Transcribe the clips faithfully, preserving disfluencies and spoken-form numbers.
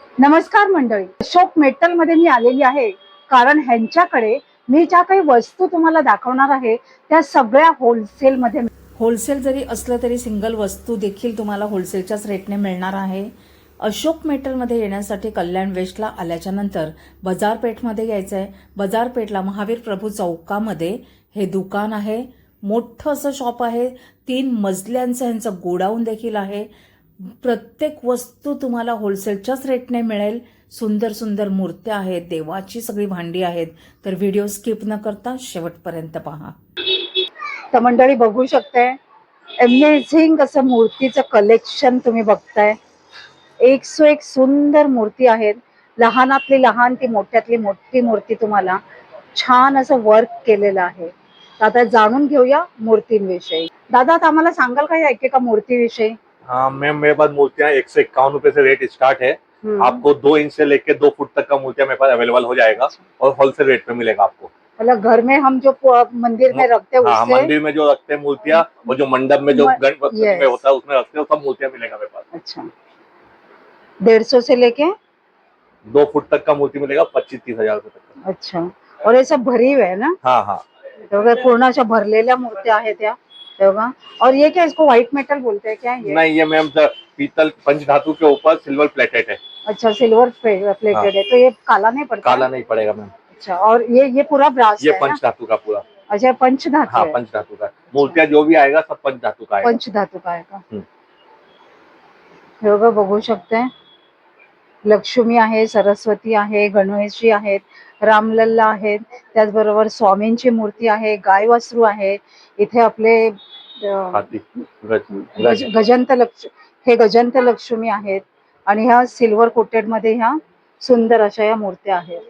नमस्कार मंडळी, अशोक मेटल मध्ये मी आलेली आहे कारण ह्यांच्याकडे मी ज्या काही वस्तू तुम्हाला दाखवणार आहे त्या सगळ्या होलसेल मध्ये होलसेल जरी असलं तरी सिंगल वस्तू देखील तुम्हाला होलसेलच्याच रेटने मिळणार आहे. अशोक मेटलमध्ये येण्यासाठी कल्याण वेस्टला आल्याच्या नंतर बाजारपेठमध्ये यायचं आहे. बाजारपेठला महावीर प्रभू चौकामध्ये हे दुकान आहे. मोठं असं शॉप आहे. तीन मजल्यांचं ह्यांचं गोडाऊन देखील आहे. प्रत्येक वस्तू तुम्हाला होलसेलच्याच रेटने मिळेल. सुंदर सुंदर मूर्त्या आहेत, देवाची सगळी भांडी आहेत. तर व्हिडिओ स्किप न करता शेवटपर्यंत पहा. तर मंडळी बघू शकताय, अमेझिंग असं मूर्तीचं कलेक्शन तुम्ही बघताय. एक सो एक सुंदर मूर्ती आहेत. लहानातली लहान ती मोठ्यातली मोठी मूर्ती तुम्हाला छान असं वर्क केलेलं आहे. तर आता जाणून घेऊया मूर्तींविषयी. दादा आता आम्हाला सांगाल का या एकेका मूर्तीविषयी? हाँ मैम, मेरे पास मूर्तियाँ एक सौ इक्यावन रुपए से रेट स्टार्ट है। आपको दो इंच से लेके दो फुट तक का मूर्तियाँ मेरे पास अवेलेबल हो जाएगा और होलसेल रेट पे मिलेगा आपको। मतलब घर में हम जो मंदिर में रखते हैं हाँ, उससे मंदिर में जो रखते हैं मूर्तियाँ और जो मंडप में जो म- गणपति yes. में होता है उसमें रखते हैं, सब मूर्तियाँ मिलेगा मेरे पास। अच्छा, डेढ़ सौ से लेके दो फुट तक का मूर्ति मिलेगा पच्चीस तीस हजार रुपए तक का। अच्छा, और ये सब भरी हुए है ना? हाँ हाँ, तेव्हा पूर्ण अशा भरलेल्या मूर्त्या आहेत त्या तेव्हा. और ये क्या, इसको व्हाइट मेटल बोलते हैं क्या ये? नहीं ये मैम पीतल पंचधातु के ऊपर सिल्वर प्लेटेड है। अच्छा, सिल्वर प्लेटेड हाँ। है तो ये काला नहीं पड़ता? काला नहीं पड़ेगा मैम। अच्छा, और ये ये पूरा ब्रास ये है ना? पंचधातु का पूरा। अच्छा, पंचधातु हाँ है. पंचधातु का मूर्तियाँ जो भी आएगा सब पंचधातु का आएगा। पंचधातु का आहे का? हम्म. हे बघा, बघू शकते. लक्ष्मी आहे, सरस्वती आहे, गणेशजी आहेत, रामलल्ला आहेत, त्याचबरोबर स्वामींची मूर्ती आहे, गाय वासरू आहे. इथे आपले अं, हाथी गज, गज- गज. गजंत लक्ष हे गजंत लक्ष्मी आहेत आणि ह्या सिल्वर कोटेड मध्ये ह्या सुंदर अशा या मूर्त्या आहेत.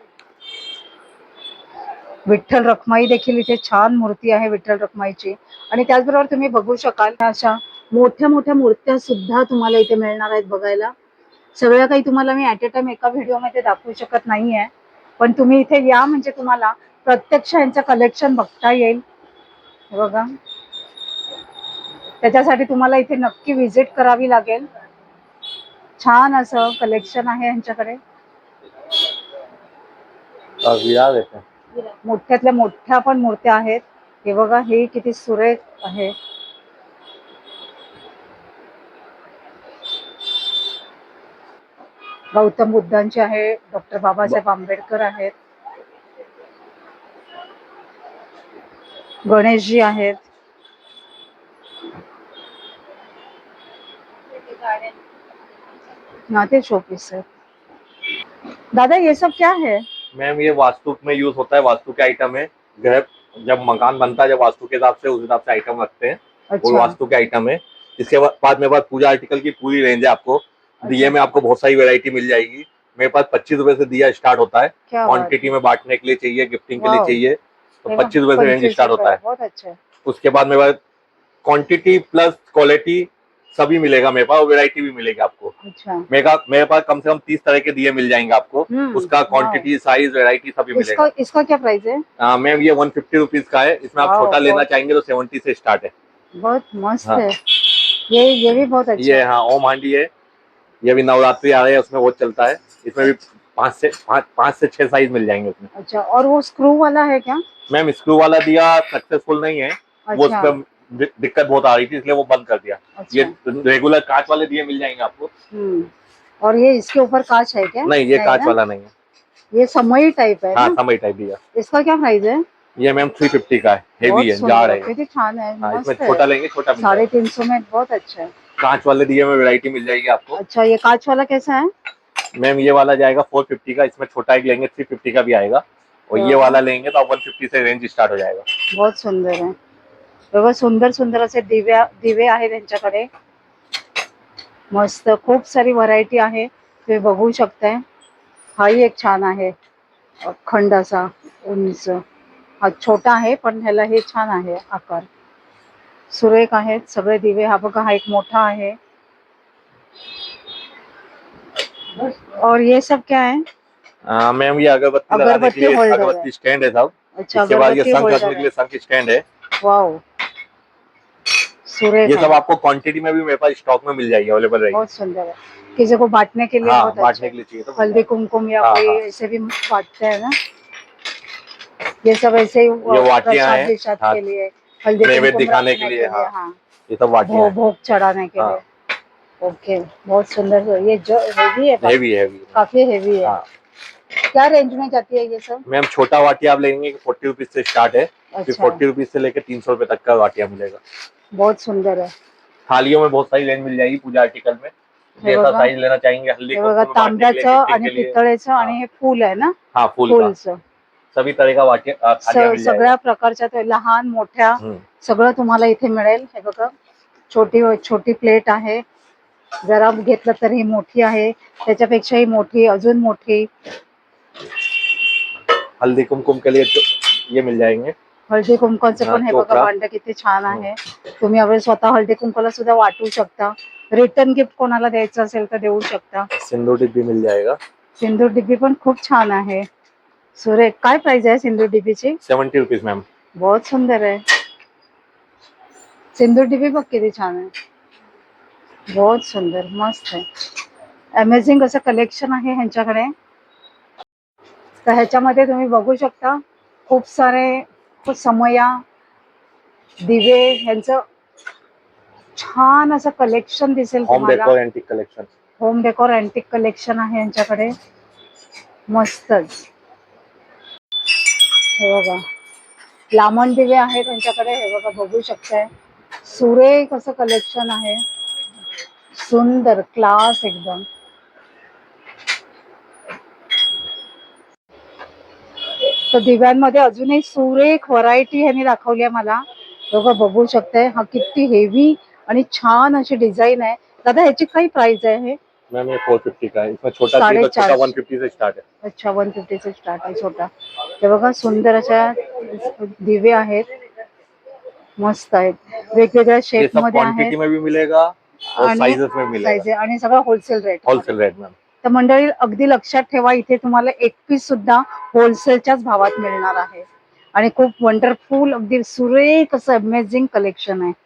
विठ्ठल रखमाई देखील इथे छान मूर्ती आहे विठ्ठल रखमाईची. आणि त्याचबरोबर तुम्ही बघू शकाल अशा मोठ्या मोठ्या मूर्त्या सुद्धा तुम्हाला इथे मिळणार आहेत बघायला. सगळं काही तुम्हाला मी ऍट अ टाइम एका व्हिडिओमध्ये दाखवू शकत नाहीये, पण तुम्ही इथे या म्हणजे तुम्हाला प्रत्यक्ष यांचं कलेक्शन बघता येईल. हे बघा, त्याच्यासाठी तुम्हाला इथे नक्की व्हिजिट करावी लागेल. छान असं कलेक्शन आहे यांच्याकडे. और विराज है। मोठ्यातल्या मोठ्या पण मूर्त्या आहेत. हे बघा, हे किती सुरेख आहे. गौतम बुद्धांची आहे, डॉक्टर बाबासाहेब आंबेडकर आहेत, गणेशजी आहेत. ना ते शोपीस है. दादा ये सब क्या है? मैम ये वास्तु में यूज होता है, वास्तु के आइटम है। घर जब मकान बनता है जब वास्तु के हिसाब से उस हिसाब से आइटम रखते हैं। अच्छा, वो वास्तु के आइटम है। इसके बाद मेरे पास पूजा आर्टिकल की पूरी रेंज है। आपको दिए में आपको बहुत सारी वैरायटी मिल जाएगी। मेरे पास पच्चीस रुपए से दिया स्टार्ट होता है। क्या बात क्वांटिटी में बांटने के लिए चाहिए, गिफ्टिंग के लिए वाह। चाहिए तो है ना? पच्चीस रुपए से रेंज पंचवीस स्टार्ट होता रुपये, है। बहुत अच्छा है. उसके बाद मेरे पास क्वांटिटी प्लस क्वालिटी सभी मिलेगा मेरे पास, और वेरायटी भी मिलेगी आपको। अच्छा, मेरे का मेरे पास कम से कम तीस तरह के दिए मिल जाएंगे आपको। हम्म, उसका क्वांटिटी साइज वेरायटी सभी मिलेगा। इसका इसका क्या प्राइस है? हाँ मैम, ये वन फिफ्टी रुपीज का है। इसमें आप वाह, छोटा लेना बहुत- चाहेंगे तो सेवेंटी से स्टार्ट है। बहुत मस्त हाँ। है. ये ये भी बहुत अच्छा ये है. हाँ ओम हांडी है। ये भी नवरात्रि आ रहे हैं उसमें बहुत चलता है। इसमें भी पाँच से पाँच पाँच से छह साइज मिल जाएंगे उसमें। अच्छा, और वो स्क्रू वाला है क्या? मैम स्क्रू वाला दिया सक्सेसफुल नहीं है। वो अच्छा, उसमें दि- दिक्कत बहुत आ रही थी इसलिए वो बंद कर दिया। अच्छा. ये रेगुलर कांच वाले दिए मिल जाएंगे आपको। हम्म. और ये इसके ऊपर कांच है क्या? नहीं ये कांच ना? वाला नहीं है। ये समई टाइप है हाँ ना? समय टाइप दिया। इसका क्या प्राइस है? ये मैम थ्री फिफ्टी का है। बहुत हेवी है, सुंदर, जाड़ है। कितनी छान है, हाँ, मस्त इसमें है. छोटा लेंगे छोटा मिल साढ़े जाएगा। तीन सौ में बहुत अच्छा है. कांच वाले दिए में वैरायटी मिल जाएगी आपको। अच्छा, ये कांच वाला कैसा है? मैम ये वाला जाएगा फोर फिफ्टी का। इसमें छोटा एक लेंगे थ्री फिफ्टी का भी आएगा, और ये वाला लेंगे तो वन फिफ्टी से रेंज स्टार्ट हो जाएगा। बहुत सुंदर है. बघा, सुंदर सुंदर असे दिव्या दिवे आहेत त्यांच्याकडे. मस्त, खूप सारी व्हरायटी आहे, तुम्ही बघू शकताय. हाही एक छान आहे, अखंड असा उंच. हा छोटा आहे पण ह्याला हे छान आहे आकार. सुरेख आहेत सगळे दिवे. हा बघा, हा एक मोठा आहे. और ये सब क्या है? हाँ मैम ये अगरबत्ती लगाने अगरबत्ती के लिए होल्डर है. अगरबत्ती स्टैंड है साहब। अच्छा, इसके बाद ये अगरबत्ती शंख होल्डर रखने के है. लिए शंख स्टैंड है। वाओ, सुरेख ये है. सब आपको क्वांटिटी में भी मेरे पास स्टॉक में मिल जाएगी, अवेलेबल रहेगी। बहुत सुंदर है. किसी को बांटने के लिए हाँ बहुत बांटने अच्छे के लिए चाहिए तो हल्दी कुमकुम या हाँ, कोई हाँ। ऐसे भी बांटते हैं ना, ये सब ऐसे ही ये वाटियां प्रसाद हैं, विसाद हाँ, के लिए, हल्दी नैवेद्य कुमकुम दिखाने रखने के लिए, हाँ। हाँ, ये सब वाटियां भोग हैं। भोग चढ़ाने के हाँ। लिए। ओके, बहुत सुंदर। ये जो हेवी है, काफी हेवी हैवी काफी हेवी है। हाँ क्या रेंज में जाती है ये सब? मैम, छोटा वाटिया आप लेंगे फोर्टी रुपीज से स्टार्ट है, फिर अच्छा, फोर्टी रुपीज से लेकर तीन सौ रुपए तक का वाटिया मिलेगा। बहुत सुंदर है। थालियों में बहुत सारी रेंज मिल जाएगी पूजा आर्टिकल में, हे जैसा बघा, साइज लेना चाहेंगे, हल्दी हे कुमकुम बघा में बांटने के लिए, तांब्याचं गिफ्टिंग आणि के लिए। पितळेचं हाँ आणि हे फूल आहे ना, हाँ फूल का फूलचं सभी तरह का वाटिया थालियां मिल सगळ्या जाएगा। प्रकारच्या ते लहान मोठ्या हम्म। सगळं तुम्हाला इथे मिळेल। हे बघा, छोटी छोटी प्लेट आहे, जरा घेतलं तर ही मोठी आहे, त्याच्यापेक्षाही मोठी, अजून मोठी। हल्दी कुमकुम के लिए तो ये मिल जाएंगे। हळदी कुंकवाचं हाँ, पण हे बघा चोपड़ा। भांड किती छान आहे। तुम्ही अगर स्वतः हळदी कुंकवाला सुद्धा वाटू शकता, रिटर्न गिफ्ट कोणाला द्यायचं असेल तर देऊ शकता। सिंदूर डिब्बी मिल जाएगा। सिंदूर डिब्बी पण खूप छान आहे, सुरेख। काय प्राइस आहे सिंदूर डिब्बीची? Seventy rupees ma'am. बहुत सुंदर आहे सिंदूर डिब्बी, बघ किती छान आहे, बहुत सुंदर, मस्त आहे। अमेझिंग असं कलेक्शन आहे ह्यांच्याकडे। तर ह्याच्यामध्ये तुम्ही बघू शकता खूप सारे खूप समया, दिवे, ह्यांचं छान असं कलेक्शन दिसेल होम तुम्हाला। Decor antique collection. Home decor antique collection आहे यांच्याकडे, मस्तच। हे बघा, लामण दिवे आहेत त्यांच्याकडे, हे बघा बघू शकताय, सुरेख असं कलेक्शन आहे, सुंदर, क्लास एकदम। तर दिव्यांमध्ये अजूनही सुरेख व्हरायटी ह्यांनी दाखवली आहे मला, बघा बघू शकताय। हा किती हेवी आणि छान अशी डिझाईन आहे। दादा ह्याची काय प्राइस आहे? हे मैम ये फोर फिफ्टी का है, इसमें छोटा चाहिए तो छोटा वन फिफ्टी से स्टार्ट है। अच्छा, वन फिफ्टी से स्टार्ट आहे छोटा। हे बघा, सुंदर अशा दिवे आहेत, मस्त आहेत, वेगवेगळ्या ये शेप सब मध्ये आहेत क्वांटिटी में भी मिलेगा और आणि साइजेस में मिलेगा, साइज आणि सगळं wholesale rate wholesale rate ma'am. तर मंडळी अगदी लक्षात ठेवा, इथे तुम्हाला एक पीस सुद्धा होलसेलच्याच भावात मिळणार आहे आणि खूप वंडरफुल, अगदी सुरेख असं अमेझिंग कलेक्शन आहे।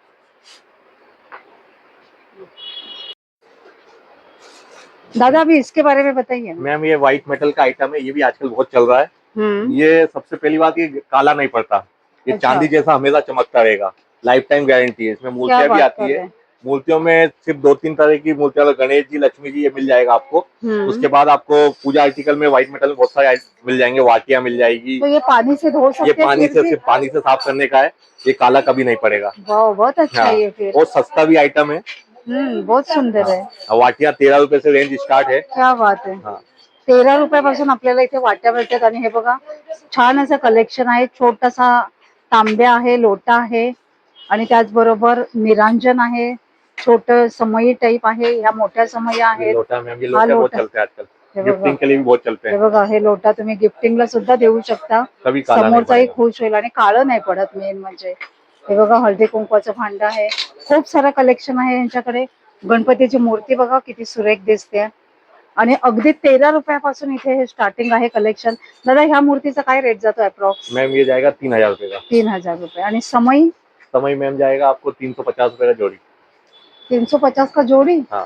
दादा अभी इसके बारे में बताइए। मैम ये व्हाइट मेटल का आइटम है, ये भी आजकल बहुत चल रहा है। हम्म, ये सबसे पहली बात, ये काला नहीं पड़ता, ये अच्छा। चांदी जैसा हमेशा चमकता रहेगा, लाइफ टाइम गारंटी है। इसमें क्या मूर्तियां भी बात आती कर है, रहे हैं? मूर्तियों में सिर्फ दो तीन तरह की मूर्तियां, गणेश जी, लक्ष्मी जी, ये मिल जाएगा आपको। हम्म, उसके बाद आपको पूजा आर्टिकल में व्हाइट मेटल में बहुत सारे मिल जाएंगे, वाटियां मिल जाएगी। तो ये पानी से धो सकते ये हैं पानी फिर से भी? सिर्फ पानी से साफ करने का है, ये काला कभी नहीं पड़ेगा। वाह, बहुत अच्छा हाँ, है ये फिर। और सस्ता भी आइटम है। हम्म, बहुत सुंदर है। वाटियां तेरह रुपए से रेंज स्टार्ट है। क्या बात आहे। हाँ, तेरा रुपयापासून आपल्याला इथे वाट्या मिळतात आणि हे बघा, छान असं कलेक्शन आहे। छोटासा तांब्या आहे, लोटा आहे आणि त्याचबरोबर निरांजन आहे, छोट समई टाइप आहे, ह्या मोठ्या समया ये आहेत। लोटा मैम, ये हा लोटे बहुत लोटा, चलते हैं आजकल, हे बघा, गिफ्टिंग के लिए भी बहुत चलते हे हैं। बघा, हे लोटा तुम्ही गिफ्टिंगला सुद्धा देऊ शकता, कभी काला नहीं समोरचाही पड़ेगा। खुश होईल आणि काळं नाही पडत मेन म्हणजे। हे बघा, हळदी कुंकवाचं भांड आहे, खूप सारं कलेक्शन आहे यांच्याकडे। गणपतीची मूर्ती बघा किती सुरेख दिसते आणि अगदी तेरा रुपयापासून इथे हे स्टार्टिंग आहे कलेक्शन। दादा ह्या मूर्तीचा काय रेट जातो अप्रॉक्स? मैम ये जाएगा तीन हजार रुपए का। तीन हजार रुपये। आणि समई? समय मैम जाएगा आपको तीन सौ पचास रुपए का जोड़ी। तीन सौ पचास का जोड़ी? हाँ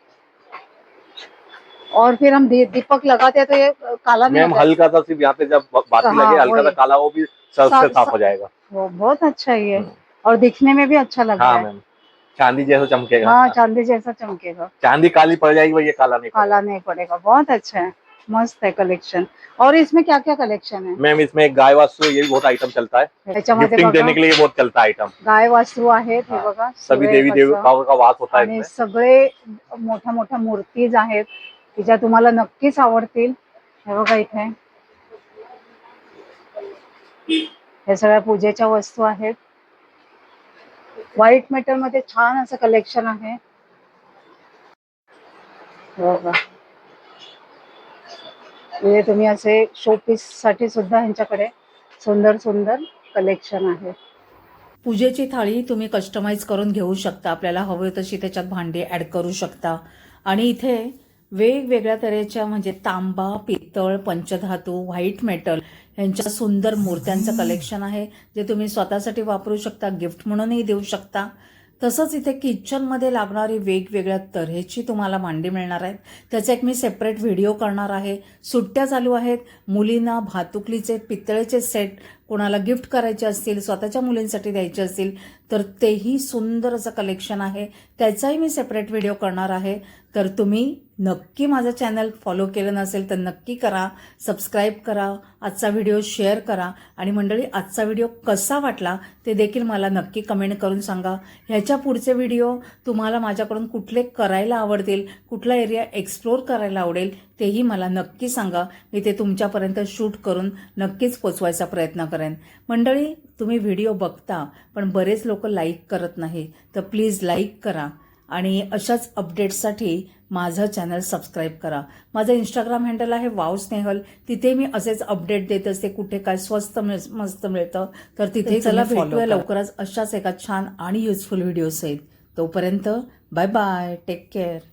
और फिर हम दी, दीपक लगाते हैं तो ये काला नहीं मैम, होता है? हल्का सा सिर्फ यहाँ पे जब बाती हाँ, लगे, हल्का सा वही। काला, वो भी सर्फ सा- से साफ सा- हो जाएगा। वो बहुत अच्छा है ये, हम्म। और दिखने में भी अच्छा लग रहा हाँ है। मैम, चांदी जैसा चमकेगा। हाँ, चांदी जैसा चमकेगा, चांदी काली पड़ जाएगी, वो ये काला नहीं काला नहीं पड़ेगा। बहुत अच्छा है, मस्त है कलेक्शन। और इसमें क्या क्या कलेक्शन है? मैम इसमें एक गाय वास्तु, ये भी बहुत आइटम चलता है, ह्याच्यामध्ये गिफ्टिंग बघा, देने के लिए ये बहुत चलता है आइटम। गाय वासरू आहेत, हे हाँ, बघा, सभी सुरेख देवी असं। देवताओं का वास होता है आणि इसमें। सगळे मोठ्या मोठ्या मूर्तीज आहेत की ज्या तुम्हाला नक्कीच आवडतील। हे बघा, इथे हे सगळ्या पूजेच्या वस्तू आहेत। व्हाईट मेटल मध्ये छान असं कलेक्शन आहे, हे बघा। म्हणजे तुम्ही असे शोपीस साठी सुद्धा ह्यांच्याकडे सुंदर सुंदर कलेक्शन आहे। पूजेची थाळी तुम्ही कस्टमाइज करून घेऊ शकता, आपल्याला हवी तशी त्याच्यात भांडी ॲड करू शकता। आणि इथे वेगवेगळ्या तऱ्हेच्या म्हणजे तांबा, पितळ, पंचधातू, व्हाईट मेटल यांच्या सुंदर मूर्त्यांचं कलेक्शन आहे, जे तुम्ही स्वतःसाठी वापरू शकता, गिफ्ट म्हणूनही देऊ शकता। तसंच इथे किचनमध्ये लागणारी वेगवेगळ्या तऱ्हेची तुम्हाला भांडी मिळणार आहेत. त्याचा एक मी सेपरेट व्हिडिओ करणार आहे. सुट्ट्या चालू आहेत, मुलींना भातुकलीचे पितळेचे सेट कोणाला गिफ्ट करायचे असतील, स्वतःच्या मुलींसाठी द्यायचे असतील तर तेही सुंदर असं कलेक्शन आहे, त्याचाही मी सेपरेट व्हिडिओ करणार आहे. तर तुम्ही नक्की माझं चॅनल फॉलो केलं नसेल तर नक्की करा, सबस्क्राईब करा, आजचा व्हिडिओ शेअर करा आणि मंडळी आजचा व्हिडिओ कसा वाटला ते देखील मला नक्की कमेंट करून सांगा. ह्याच्या पुढचे व्हिडिओ तुम्हाला माझ्याकडून कुठले करायला आवडतील, कुठला एरिया एक्सप्लोर करायला आवडेल तेही मला नक्की सांगा. मी ते तुमच्यापर्यंत शूट करून नक्कीच पोचवायचा प्रयत्न करेन. मंडळी तुम्ही व्हिडिओ बघता पण बरेच लोक लाईक करत नाही, तर प्लीज लाईक करा आणि अशाच अपडेट्ससाठी माझं चॅनल सबस्क्राईब करा. माझं इंस्टाग्राम हँडल आहे वाव स्नेहल, तिथे मी असेच अपडेट देत असते, कुठे काय स्वस्त मिळ- मस्त मिळतं तर तिथे चला भेटूया लवकरच अशाच एका छान आणि युजफुल व्हिडिओ सहित. तोपर्यंत बाय बाय, टेक केअर.